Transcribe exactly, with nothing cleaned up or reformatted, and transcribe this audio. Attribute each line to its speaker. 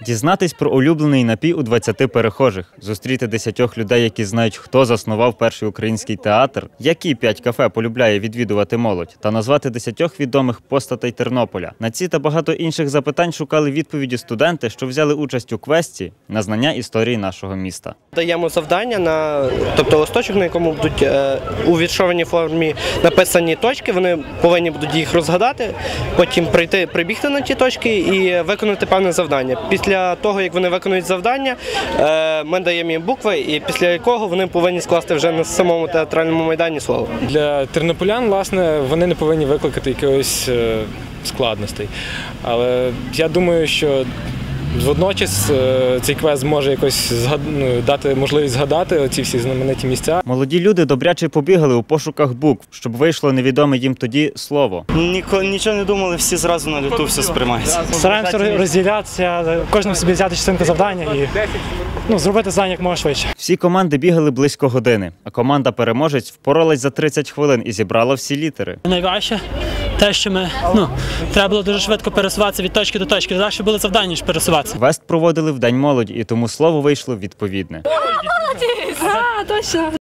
Speaker 1: Дізнатись про улюблений напій у двадцяти перехожих, зустріти десятьох людей, які знають, хто заснував перший український театр, які п'ять кафе полюбляє відвідувати молодь, та назвати десятьох відомих постатей Тернополя. На ці та багато інших запитань шукали відповіді студенти, що взяли участь у квесті на знання історії нашого міста.
Speaker 2: Даємо завдання, на, тобто листочок, на якому будуть е, у віршованій формі написані точки, вони повинні будуть їх розгадати, потім прийти, прибігти на ті точки і виконати певне завдання. Після того, як вони виконують завдання, е, ми даємо їм букви, і після якого вони повинні скласти вже на самому театральному майдані слово.
Speaker 3: Для тернополян, власне, вони не повинні викликати якихось е, складностей. Але я думаю, що водночас цей квест може якось згад... дати можливість згадати ці всі знамениті місця.
Speaker 1: Молоді люди добряче побігали у пошуках букв, щоб вийшло невідоме їм тоді слово.
Speaker 4: Ніко, нічого не думали, всі зразу на люту все сприймається.
Speaker 5: Стараємося розділятися, кожному собі взяти частинку завдання і ну, зробити завдання як можна швидше.
Speaker 1: Всі команди бігали близько години, а команда-переможець впоралась за тридцять хвилин і зібрала всі літери.
Speaker 6: Найважче те, що ми, ну, треба було дуже швидко пересуватися від точки до точки. Завжди було завдання, ніж пересуватися.
Speaker 1: Квест проводили в День молоді, і тому слово вийшло відповідне.
Speaker 7: Молодець! А, точно!